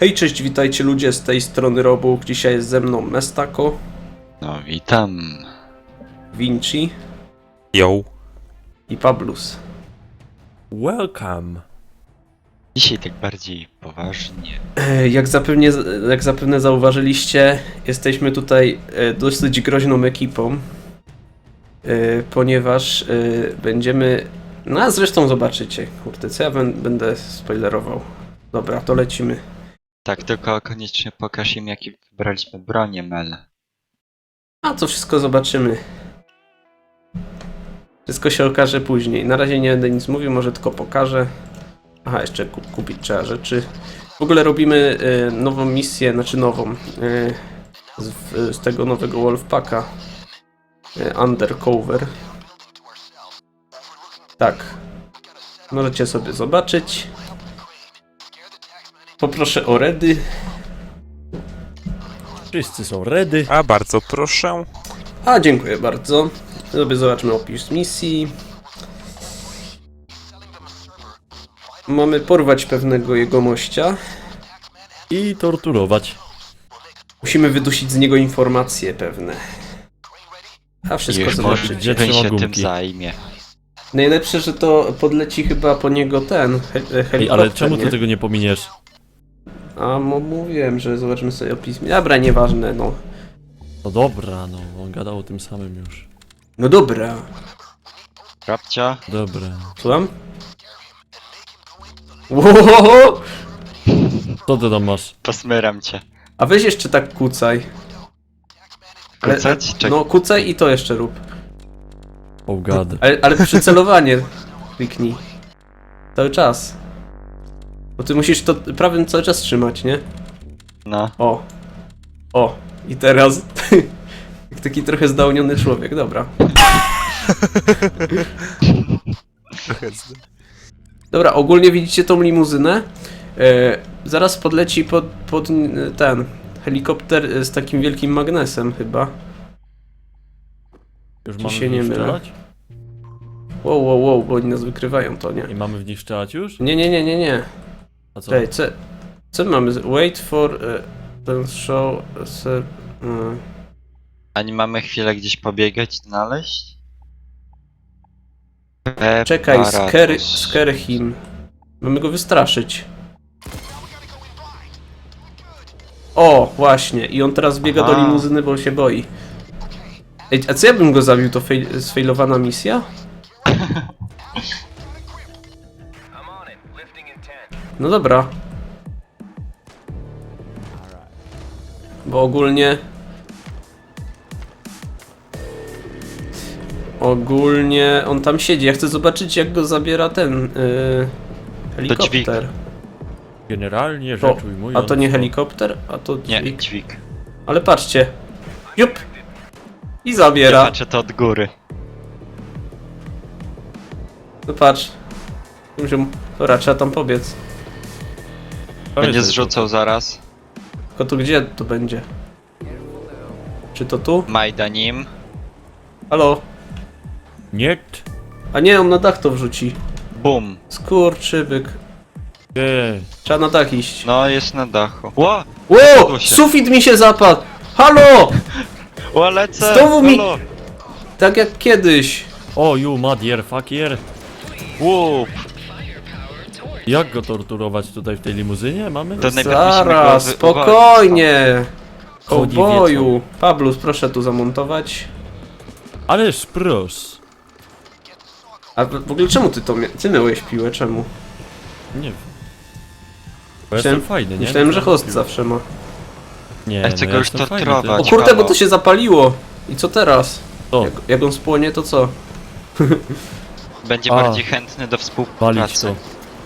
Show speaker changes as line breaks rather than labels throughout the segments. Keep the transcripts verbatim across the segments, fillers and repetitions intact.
Hej, cześć, witajcie ludzie, z tej strony Robuch. Dzisiaj jest ze mną Mestako.
No witam.
Vinci.
Yo.
I Pablus.
Welcome.
Dzisiaj tak bardziej poważnie.
E, Jak zapewne, jak zapewne zauważyliście, jesteśmy tutaj e, dosyć groźną ekipą. E, Ponieważ e, będziemy... No a zresztą zobaczycie. Kurde, co ja bę- będę spoilerował. Dobra, to lecimy.
Tak, tylko koniecznie pokaż im jakie wybraliśmy bronie, Mel.
A to wszystko zobaczymy. Wszystko się okaże później. Na razie nie będę nic mówił, może tylko pokażę. Aha, jeszcze ku kupić trzeba rzeczy. W ogóle robimy y, nową misję, znaczy nową. Y, z, z tego nowego Wolfpacka. Y, Undercover. Tak. Możecie sobie zobaczyć. Poproszę o ready.
Wszyscy są ready. A bardzo proszę.
A, dziękuję bardzo. Sobie zobaczmy opis misji. Mamy porwać pewnego jegomościa.
I torturować.
Musimy wydusić z niego informacje pewne. A wszystko
Już może
zobaczycie.
Gdzie
ten
trzyma
się tym
gumki?
zajmie.
Najlepsze, że to podleci chyba po niego ten he helikopter.
Ej, ale czemu ty
nie?
tego nie pominiesz?
A, mo mówiłem, że zobaczymy sobie opis. Dobra, nieważne, no.
No dobra, no, on gadał o tym samym już.
No dobra.
Rabcia?
Dobra.
Słucham? Łohoho!
Co ty tam masz?
Posmyram cię.
A weź jeszcze tak kucaj. Ale,
Kucać? Czek-
no kucaj i to jeszcze rób.
Oh god.
Ale, ale przycelowanie kliknij. Cały czas. Bo ty musisz to prawym cały czas trzymać, nie?
No.
O. O. I teraz... Jak taki trochę zdałniony człowiek, dobra. Dobra, ogólnie widzicie tą limuzynę? E, zaraz podleci pod, pod ten helikopter z takim wielkim magnesem chyba.
Już
Ci
mamy
się
w
nie
nich
mylę.
strzelać?
Wow, wow, wow, bo oni nas wykrywają, to nie.
I mamy w nich strzelać już?
Nie, nie, nie, nie, nie.
A co?
Czekaj, co, co mamy? z- Wait for... Uh, ten show... Ser, uh.
A nie mamy chwilę gdzieś pobiegać, znaleźć?
Czekaj, scare,
Preparatus.
scare him. Mamy go wystraszyć. O, właśnie. I on teraz biega do
Aha.
limuzyny, bo się boi. Ej, a co ja bym go zabił? To fail, sfailowana misja? No dobra. Bo ogólnie... Ogólnie on tam siedzi. Ja chcę zobaczyć, jak go zabiera ten yy, helikopter.
Generalnie
To,
rzecz ujmując...
a to nie helikopter, a to
Nie,
dźwig.
dźwig.
Ale patrzcie. Jup! I
Ja
zabiera.
patrzę to od góry.
No patrz. Muszę... Dobra, trzeba tam pobiec.
To
Będzie
jest-
zrzucał zaraz.
Tylko to gdzie to będzie? Czy to tu?
Majdanim.
Halo?
Nie.
A nie, on na dach to wrzuci.
Bum.
Skurczybyk.
Nie.
Trzeba na dach iść.
No, jest na dachu. Ło!
Ło!
zapadło się.
Sufit mi się zapadł! Halo!
Ło, lecę!
Znowu mi-
Halo!
Tak jak kiedyś.
O, you motherfucker.
Łup!
Jak go torturować tutaj w tej limuzynie? Mamy?
To najpierw musimy
Zaraz,
go wy-
spokojnie.
Chodzi
Kołboju. Pablus, proszę tu zamontować.
Ależ pros.
A w w ogóle czemu ty to mia- ty miałeś piłę? Czemu?
Nie wiem. Bo
Myślałem-
jestem fajny, nie?
Myślałem, że
No,
host zawsze ma.
Nie,
Ja chcę
no
go już
jestem fajny,
torturować.
O
ty-
kurde, bo
halo.
to się zapaliło. I co teraz?
O,
Jak, jak on spłonie, to co?
Będzie
A.
bardziej chętny do
walić
współpracy.
to.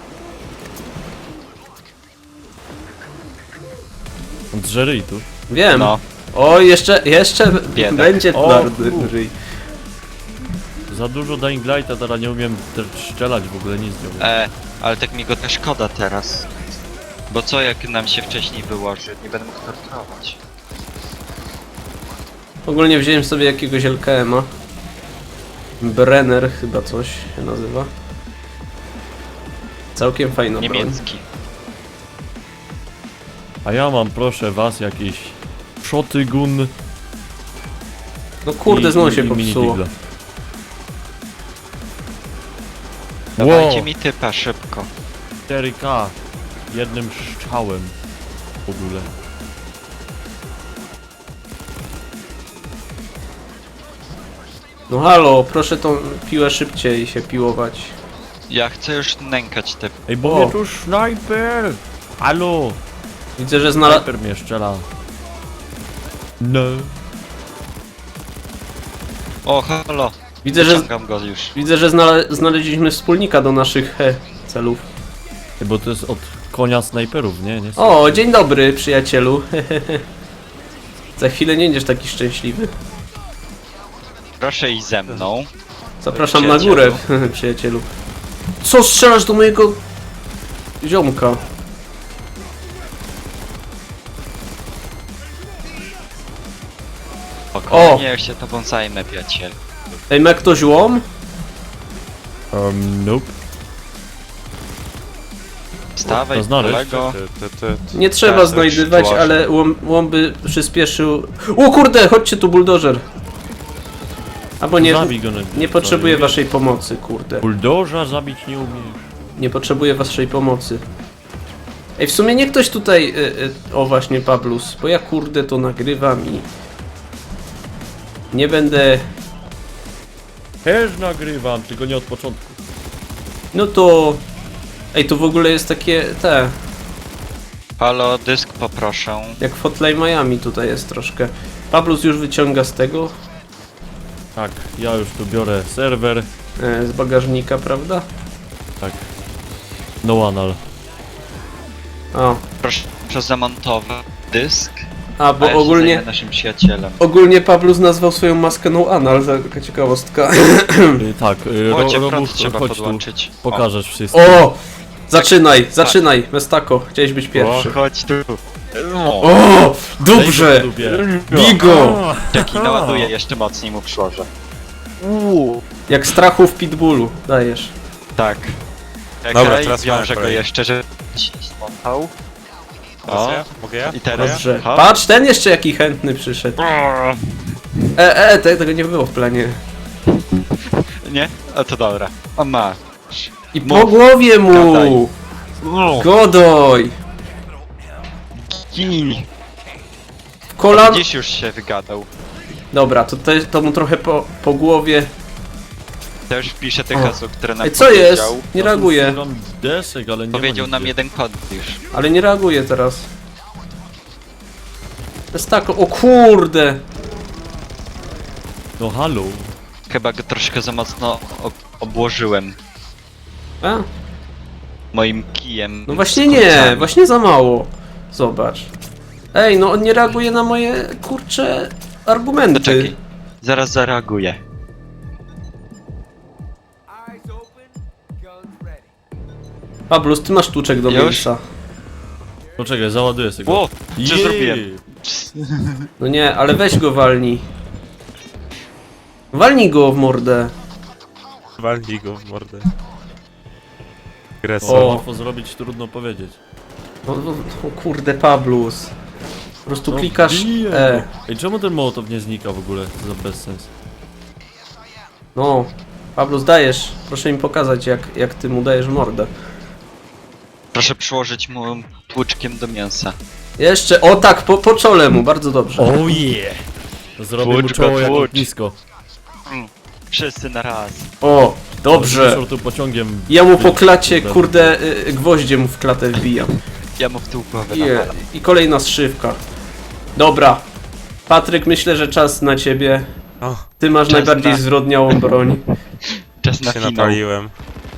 On drze ryj tu.
Wiem.
No.
O, jeszcze, jeszcze
Biedak.
będzie
O,
twardy
fu.
ryj.
Za dużo Dying Lighta, teraz nie umiem też strzelać w ogóle nic nie umiem.
E, ale tak mi go też szkoda teraz. Bo co jak nam się wcześniej wyłoży? Nie będę mógł torturować.
Ogólnie wziąłem sobie jakiegoś L K M a. Brenner chyba coś się nazywa. Całkiem fajna broń.
Niemiecki.
A ja mam, proszę was, jakieś shotgun.
No kurde,
i-
znowu
i-
się
i mini
popsuło.
digla.
Dawajcie
Wow,
mi typa szybko.
cztery K. Jednym strzałem. W ogóle.
No halo, proszę tą piłę szybciej się piłować.
Ja chcę już nękać te...
Ej, bo
O.
mnie tu snajper! Halo!
Widzę, że znalazł...
Snajper mnie strzela. No.
O, halo.
Widzę, że...
Wyciągam go już.
Widzę, że znale... znaleźliśmy wspólnika do naszych he, celów.
Ej, bo to jest od konia snajperów, nie? nie
O, dzień dobry, przyjacielu. Za chwilę nie będziesz taki szczęśliwy.
Proszę iść ze mną.
Zapraszam na
Przyjacielu.
górę, przyjacielu. Co strzelasz do mojego... ziomka?
Spokojnie, ja się tobą zajmę, przyjaciel.
Ej, ma ktoś łom?
Um, nope.
Stawaj,
To znaleźć.
kolego.
Ty, ty, ty, ty.
Nie trzeba
Tak, to
znajdywać,
już
ale łom, łom by przyspieszył... O kurde, chodźcie tu, buldożer. Albo nie,
Zabij go na...
nie potrzebuję
Sorry.
waszej pomocy, kurde.
Buldoża zabić nie umiesz.
Nie potrzebuję waszej pomocy. Ej, w sumie nie ktoś tutaj... Y, y, o właśnie, Pablus, bo ja kurde to nagrywam i... Nie będę...
Też nagrywam, tylko nie od początku.
No to... Ej, to w ogóle jest takie... te...
Halo, dysk poproszę.
Jak w Hotline Miami tutaj jest troszkę. Pablus już wyciąga z tego...
Tak, ja już tu biorę serwer.
E, z bagażnika, prawda?
Tak. No anal.
O.
Proszę, proszę zamontować dysk.
A,
A
bo
ja się
ogólnie...
zajmę naszym przyjacielem.
Ogólnie Pablus nazwał swoją maskę No Anal, taka ciekawostka.
Y, tak, y, ro,
Chodźcie, prąd
Robów,
trzeba
chodź tu.
podłączyć.
Pokażesz wszystko.
O! Zaczynaj, zaczynaj, Mestako, chciałeś być
O,
pierwszy.
o chodź tu. O,
O! Dobrze! Bigo!
jaki naładuję, jeszcze mocniej mu przyłożę. Uuu.
Jak strachu w pitbullu, dajesz.
Tak.
Dobra,
Czekaj,
teraz
wiążę
mamy
go
kolej.
jeszcze, żeby się nie spontał.
Teraz
O,
ja? Mogę ja?
i teraz...
Dobrze.
hop.
Patrz, ten jeszcze jaki chętny przyszedł. E, e, te, tego nie było w planie.
Nie? A to dobra. O ma.
I
Mów.
po głowie mu!
Gadaj.
Godoj!
Gin.
Kolan...
Dziś już się wygadał.
Dobra, to, te, to mu trochę po, po głowie.
To już wpiszę te
O.
hasło, które nam
Ej, co jest?
powiedział.
Nie reaguje.
Szukam desek, ale nie
Powiedział
ma
nam
nigdzie.
jeden kod już.
Ale nie reaguje teraz. Mestako, o kurde!
No halo.
Chyba go troszkę za mocno ob obłożyłem
A?
moim kijem.
No właśnie
z
nie,
kurcami.
właśnie za mało. Zobacz. Ej, no on nie reaguje na moje, kurcze, argumenty.
Poczekaj. Zaraz zareaguję.
Pablus, ty masz tłuczek do
Już?
mięsa.
Poczekaj, załaduję sobie go.
Ło, co
Jej!
zrobiłem?
No nie, ale weź go walnij. Walnij go w mordę.
Walnij go w mordę.
Co
Agresor.
O.
łatwo zrobić, trudno powiedzieć.
O, o, o kurde, Pablus. Po prostu
No,
klikasz
biję
E.
go. Ej, czemu ten mołotow nie znika w ogóle? To za bezsens.
No, Pablus, dajesz. Proszę mi pokazać, jak, jak ty mu dajesz mordę.
Proszę przyłożyć mu tłuczkiem do mięsa.
Jeszcze, o tak, po, po czole mu, bardzo dobrze.
Oh yeah! Zrobię mu
Tłucz go,
czoło jak
tłucz.
lotnisko.
Wszyscy na raz.
O, dobrze.
Wyszło tu pociągiem.
Ja mu po
Wy-
klacie,
wy-
kurde, y, gwoździe mu w klatę wbijam.
Ja mu w tył głowę
I,
nawalam.
I kolejna strzywka. Dobra. Patryk, myślę, że czas na ciebie.
O,
Ty masz
Czas
najbardziej
na-
zwrodniałą broń.
Czas na
się
finał.
napaliłem.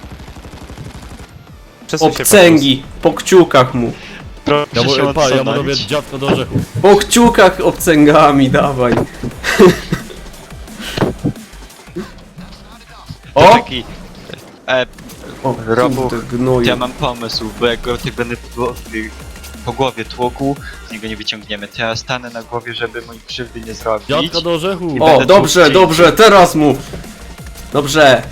Przesuń się,
Obcęgi. Po kciukach mu.
Proszę
Ja mu,
się
pa, ja mu
odsunąć.
robię dziadko do orzechów.
Po kciukach obcęgami, dawaj. O!
Poczekaj. E,
O,
Robuch,
kurde, gnoju.
ja mam pomysł, bo jak go tak będę po, po głowie tłukł, z niego nie wyciągniemy. To ja stanę na głowie, żeby mój krzywdy nie zrobić.
Dziadka do orzechu!
I
O,
będę
dobrze,
tłuc
dobrze, teraz mu. Dobrze.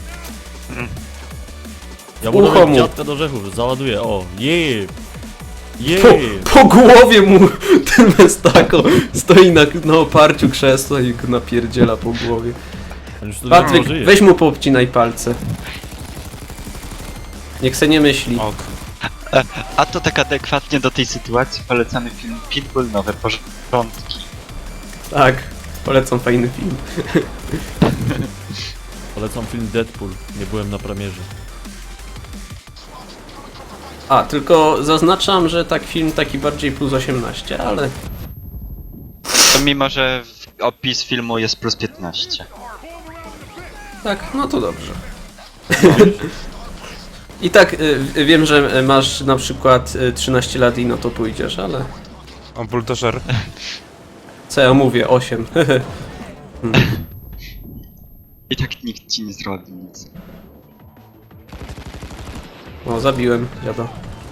Ja mu
ucho
robię
mu.
dziadka do orzechów, załaduję, o, yeah! Jej!
Po, po głowie mu ten Mestako stoi na, na oparciu krzesła i go napierdziela po głowie.
On już tu
Patryk,
dawno żyje.
weź mu poobcinaj palce. Niech se nie myśli.
Ok.
A to tak adekwatnie do tej sytuacji polecamy film Pitbull, nowe porządki.
Tak, polecam fajny film.
Polecam film Deadpool. Nie byłem na premierze.
A, tylko zaznaczam, że tak film taki bardziej plus osiemnaście, ale...
To mimo, że w- opis filmu jest plus piętnaście.
Tak, no to dobrze. I tak y, wiem, że masz na przykład y, trzynaście lat i no to pójdziesz, ale...
O, buldożer.
Co ja mówię? osiem.
I tak nikt ci nie zrobi nic.
O, zabiłem dziada.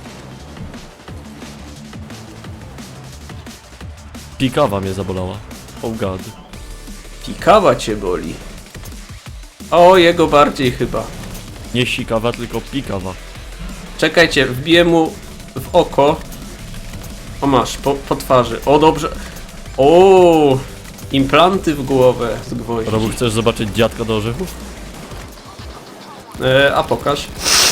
Pikawa mnie zabolała. Oh god.
Pikawa cię boli. O, jego bardziej chyba.
Nie sikawa, tylko pikawa.
Czekajcie, wbiję mu w oko. O, masz, po, po twarzy. O, dobrze. O, implanty w głowę z gwoździ.
Robu, chcesz zobaczyć dziadka do orzechów?
E, a pokaż.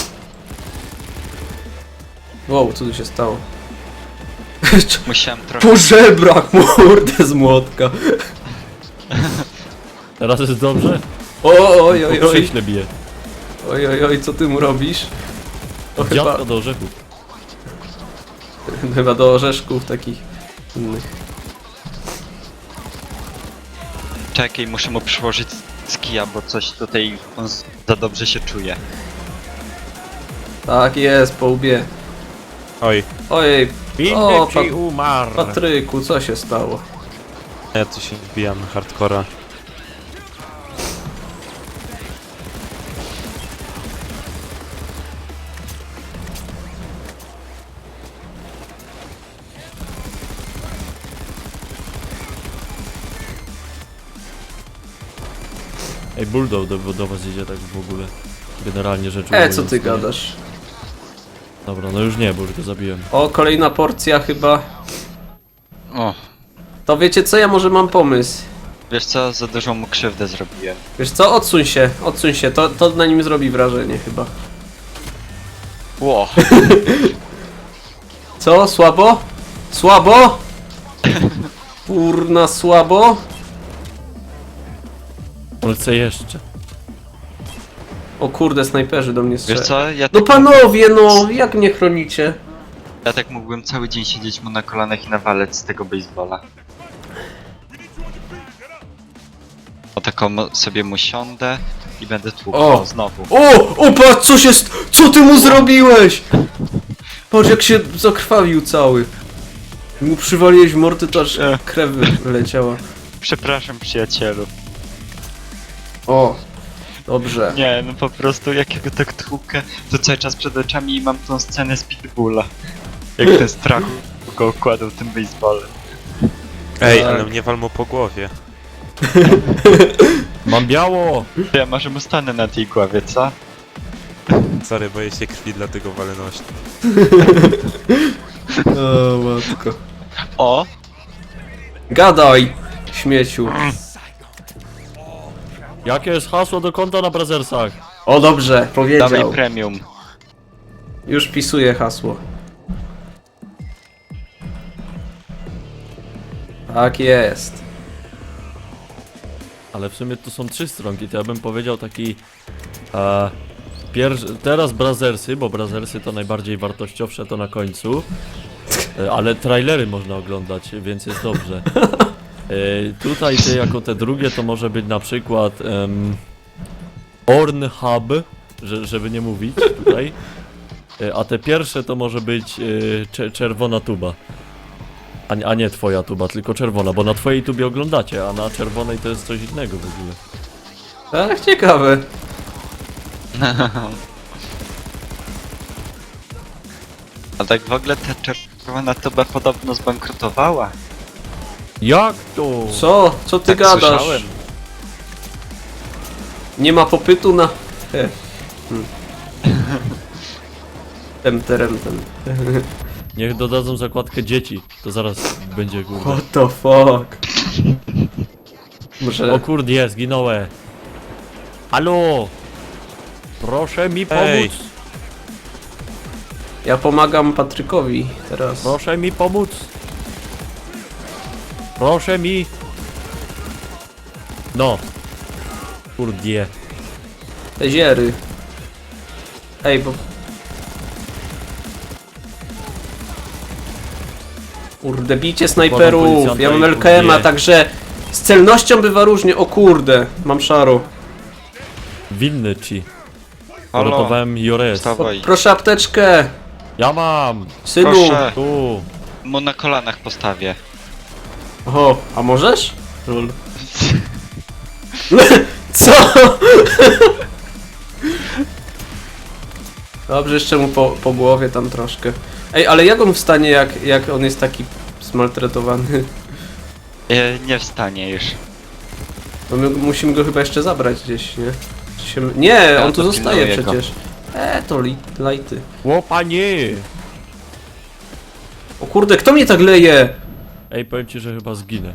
Wow, co tu się stało?
Musiałem trochę...
Po żebrach, mordę z młotka.
Teraz jest dobrze?
O, oj, oj,
Po
oj.
krześle bije.
Oj, oj, oj, co ty mu robisz? To chyba,
Dziadka do orzechów.
chyba do orzeszków takich innych.
Czekaj, muszę mu przyłożyć z kija, bo coś tutaj on z- za dobrze się czuje.
Tak jest, po łbie.
Oj,
Ojej, o,
Inny
Pat
ci umarł.
Patryku, co się stało?
ja tu się wbijam na hardcora.
Ej, Bulldog do, do was idzie tak w ogóle. Generalnie rzecz
E, co
ujmując,
ty
nie?
gadasz?
Dobra, no już nie, bo już go zabiłem.
O, kolejna porcja chyba.
O,
To wiecie co, ja może mam pomysł.
wiesz co, za dużą mu krzywdę zrobiłem.
Wiesz co, odsuń się, odsuń się, to, to na nim zrobi wrażenie chyba.
Ło,
Co, słabo? Słabo? Kurna, słabo?
On chce jeszcze.
O kurde, snajperzy do mnie
wiesz
strzelają.
co, ja
No
tak,
panowie, no, jak mnie chronicie?
ja tak mógłbym cały dzień siedzieć mu na kolanach i nawalec z tego baseballa. O taką mo- sobie mu siądę i będę tłukł.
O.
O, znowu.
O, o patrz, co się st... Co ty mu zrobiłeś? Patrz jak się zakrwawił cały. Mu przywaliłeś w mordy, to aż
E.
krew wyleciała.
Przepraszam, przyjacielu.
O, dobrze.
Nie, no po prostu jak ja go tak tłukę, to cały czas przed oczami mam tą scenę z Pitbulla. Jak ten strach go okładał tym baseballem.
Ej,
Tak.
ale mnie wal mu po głowie.
Mam biało!
To ja może mu stanę na tej głowie, co?
Sorry, boję się krwi, dlatego walę noś.
O, matko.
O!
Gadaj, śmieciu.
Jakie jest hasło do konta na Brazzersach?
O, dobrze,
Dawaj
powiedział.
premium.
Już wpisuję hasło. Tak jest.
Ale w sumie to są trzy stronki, to ja bym powiedział taki... E, pierwszy, teraz Brazzersy, bo Brazzersy to najbardziej wartościowsze to na końcu. E, ale trailery można oglądać, więc jest dobrze. E, tutaj te, jako te drugie to może być na przykład em, Ornhub, że, żeby nie mówić tutaj. E, a te pierwsze to może być e, cze, czerwona tuba. A, nie- a nie twoja tuba, tylko czerwona, bo na twojej tubie oglądacie, a na czerwonej to jest coś innego w ogóle.
Tak, ciekawe.
A tak w ogóle ta czerwona tuba podobno zbankrutowała.
Jak to?
Co? Co ty
Tak
gadasz?
słyszałem.
Nie ma popytu na... He. Hmm. Tem, terem, tem.
Niech dodadzą zakładkę dzieci, to zaraz będzie kurde.
What the fuck? Może...
O kurde, zginąłem. Halo! Proszę mi pomóc!
Ej.
Ja pomagam Patrykowi teraz.
Proszę mi pomóc! Proszę mi! No! Kurde.
Te ziery. Ej, bo... Kurde, bijcie snajperów!
policjanta
Ja mam
i
L K M-a,
kurde.
także... Z celnością bywa różnie, o kurde! Mam szaro.
Winny ci.
Halo,
Uratowałem Jores.
wstawaj.
Proszę apteczkę!
Ja mam!
Synu!
Proszę.
Tu!
Mu na kolanach postawię.
Oho, a możesz? Lol. Co? Dobrze, jeszcze mu po, po głowie tam troszkę. Ej, ale jak on wstanie, jak, jak on jest taki smaltretowany?
E, nie wstanie już.
Bo my musimy go chyba jeszcze zabrać gdzieś, nie? Czy się... Nie,
Ja
on tu
to
zostaje
pilnuję go.
przecież. E, to li, lajty.
Łopanie!
O kurde, kto mnie tak leje?
Ej, powiem ci, że chyba zginę.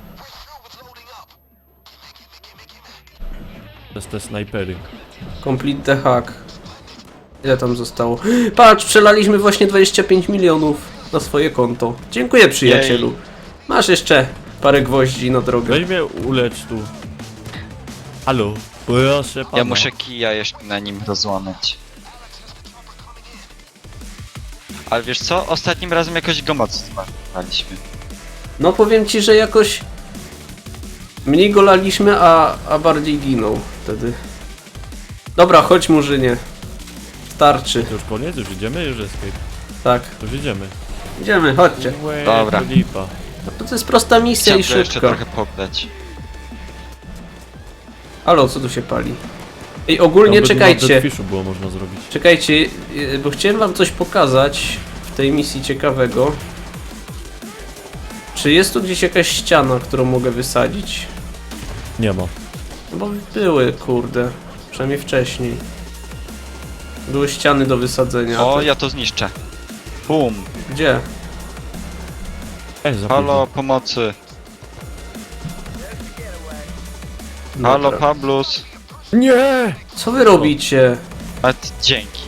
Przez te snajpery.
Complete the hack. Ile tam zostało? Patrz, przelaliśmy właśnie dwadzieścia pięć milionów na swoje konto. Dziękuję, przyjacielu.
Jej.
Masz jeszcze parę gwoździ na drogę.
Weź mnie ulecz tu. Halo? Proszę pana.
Ja muszę kija jeszcze na nim rozłamać. Ale wiesz co? Ostatnim razem jakoś go mocno zmarnowaliśmy.
No powiem ci, że jakoś mniej go laliśmy, a, a bardziej ginął wtedy. Dobra, chodź Murzynie. Starczy.
To już koniec? Już idziemy? Już escape.
Tak.
Już idziemy.
Idziemy, chodźcie.
Łe,
Dobra.
to lipa.
No to jest prosta misja i
Chciałem go jeszcze
szybka.
trochę poddać.
Halo, co tu się pali? Ej, ogólnie
Nawet
czekajcie.
Na Deadfishu było można zrobić.
Czekajcie, yy, bo chciałem wam coś pokazać w tej misji ciekawego. Czy jest tu gdzieś jakaś ściana, którą mogę wysadzić?
Nie ma.
No bo były, kurde. Przynajmniej wcześniej. Były ściany do wysadzenia. a
O,
to-
ja to zniszczę. Bum.
Gdzie?
Ej, za
Halo, pomocy.
Dobra.
Halo, Pablus.
Nie!
Co wy robicie?
A ty, dzięki.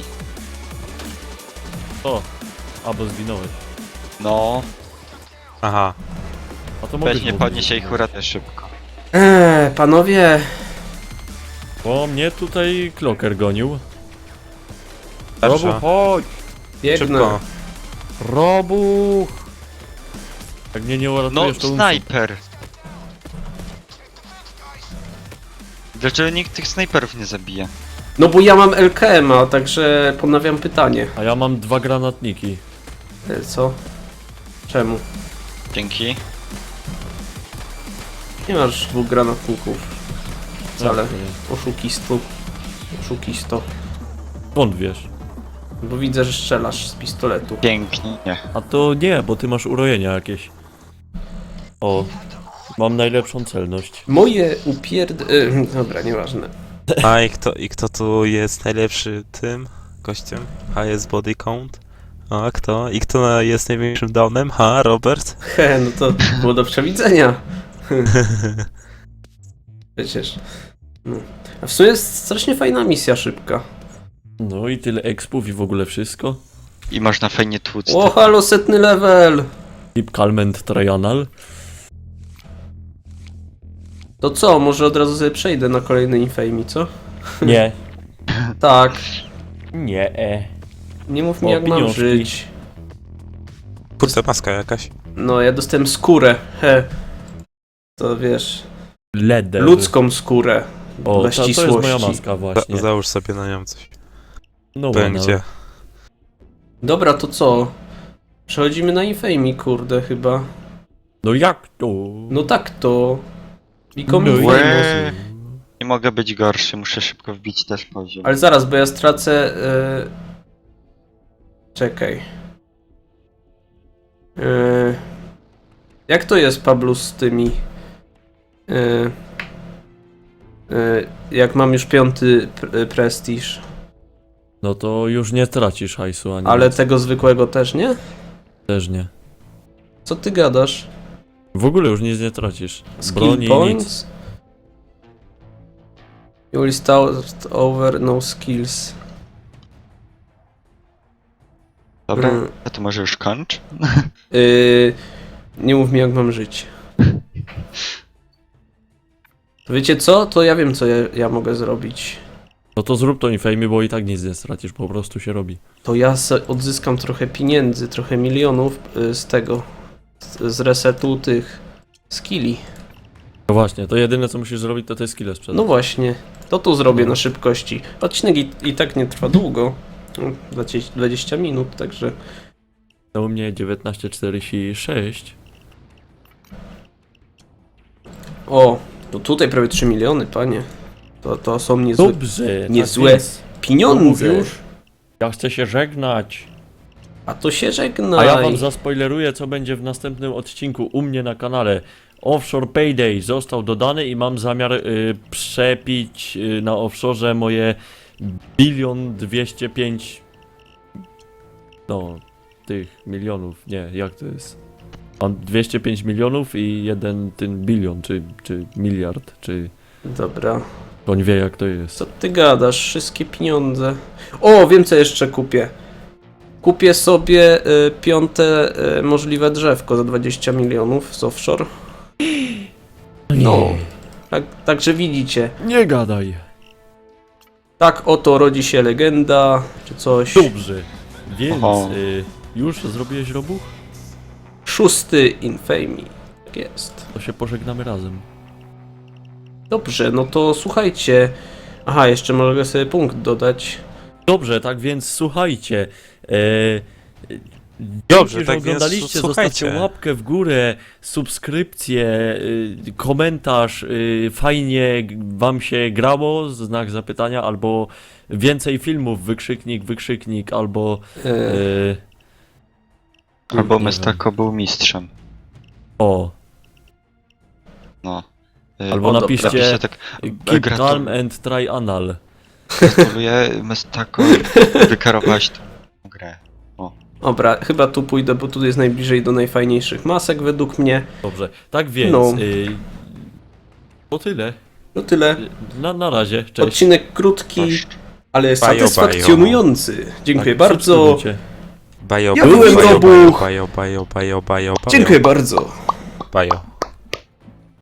O! Albo zginąłeś.
No,
Aha.
A to mogę
weź nie podnieś jej huratę szybko.
Eee, panowie.
Bo mnie tutaj kloker gonił.
Dobrze.
Robuch, chodź!
Biegnę.
Szybko.
Robuch! Jak mnie nie
No,
uratujesz, to umrę.
snajper. Dlaczego nikt tych snajperów nie zabija?
No bo ja mam L K M-a, także ponawiam pytanie.
A ja mam dwa granatniki.
E, co? Czemu?
Dzięki.
Nie masz dwóch granatników. Wcale.
Jak to nie?
Oszukistu. Oszukisto.
Skąd wiesz?
Bo widzę, że strzelasz z pistoletu.
Pięknie.
A to nie, bo ty masz urojenia jakieś. O, mam najlepszą celność.
Moje upierd... Y, dobra, nieważne.
A i kto, i kto tu jest najlepszy tym gościem? Highest body count? A kto? I kto jest największym downem? Ha, Robert?
He, no to było do przewidzenia. Przecież. No. A w sumie jest strasznie fajna misja szybka.
No i tyle expów i w ogóle wszystko.
I można fajnie tłuc.
O, halo, setny level!
Deep Calment Trianal.
To co, może od razu sobie przejdę na kolejny Infamy, co?
Nie.
Tak.
Nie. E.
Nie mów mi,
O,
jak mam
pieniążki.
żyć.
Kurde, maska jakaś.
No, ja dostałem skórę. He. To wiesz,
Leder.
ludzką skórę.
O,
dla
to, to jest
ścisłości.
moja maska
Za,
właśnie.
załóż sobie na nią coś.
No
Powiem
bueno.
gdzie.
Dobra, to co? Przechodzimy na Infamy, kurde, chyba.
No jak to?
No tak to. Become
No i-
Infamous.
Łe. Nie mogę być gorszy, muszę szybko wbić też poziom.
Ale zaraz, bo ja stracę... Yy... Czekaj. Yy... Jak to jest, Pablo, z tymi... Yy... Yy... Jak mam już piąty pr prestiż.
No to już nie tracisz hajsu ani
Ale
nic.
tego zwykłego też, nie?
Też nie.
Co ty gadasz?
W ogóle już nic nie tracisz.
Skill
Broni, nic.
points? You will start over no skills.
Dobra,
Mm.
a to może już kończ?
Yy, nie mów mi jak mam żyć. To wiecie co? To ja wiem co ja, ja mogę zrobić.
No to zrób to infamy, bo i tak nic nie stracisz, po prostu się robi.
To ja se odzyskam trochę pieniędzy, trochę milionów y, z tego, z, z resetu tych skilli.
No właśnie, to jedyne co musisz zrobić to te skille sprzedać.
No właśnie, to tu zrobię
No.
na szybkości. Odcinek i, i tak nie trwa długo. No, dwadzieścia dwadzieścia minut, także...
To u mnie dziewiętnaście czterdzieści sześć.
O, to tutaj prawie trzy miliony, panie. To, to są niezłe
Dobrze,
niezłe
tak więc,
pieniądze.
mów już. Ja chcę się żegnać.
A to się żegnaj.
A ja wam zaspoileruję, co będzie w następnym odcinku u mnie na kanale. Offshore Payday został dodany i mam zamiar y, przepić y, na offshore moje bilion dwieście pięć no tych milionów, nie, jak to jest? Mam dwieście pięć milionów i jeden ten bilion, czy, czy miliard, czy
Dobra.
on wie jak to jest.
Co ty gadasz? Wszystkie pieniądze. O, wiem co jeszcze kupię. Kupię sobie y, piąte y, możliwe drzewko za dwadzieścia milionów z offshore. No. Tak, także widzicie.
Nie gadaj.
Tak oto rodzi się legenda, czy coś.
Dobrze, więc
Oho.
y, już zrobiłeś robuch?
Szósty Infamy. Tak jest.
To się pożegnamy razem.
Dobrze, no to słuchajcie. Aha, jeszcze mogę sobie punkt dodać.
Dobrze, tak więc słuchajcie. E,
Dobrze,
dzięki,
tak
że
więc
oglądaliście,
słuchajcie.
zostawcie łapkę w górę, subskrypcję, y, komentarz, y, fajnie g- wam się grało, znak zapytania, albo więcej filmów, wykrzyknik, wykrzyknik, albo
E,
y,
Albo
nie
Mestako był mistrzem.
o,
No. Y,
albo
o, dobra.
napiszcie
Napiszcie tak,
keep
gratul-
calm and try anal.
gratuluję Mestako, wykarowałeś tą grę.
dobra, chyba tu pójdę, bo tu jest najbliżej do najfajniejszych masek według mnie.
Dobrze, tak więc,
No.
y, to tyle.
No tyle.
Na, na razie, cześć.
Odcinek krótki,
Cześć.
ale
bajo.
satysfakcjonujący. Dziękuję
Tak,
bardzo.
subskrybujcie.
Bajo,
Ja
bajo,
byłem
bajo,
Robuch.
bajo, bajo, bajo, bajo, bajo, bajo.
Dziękuję bardzo.
Bajo.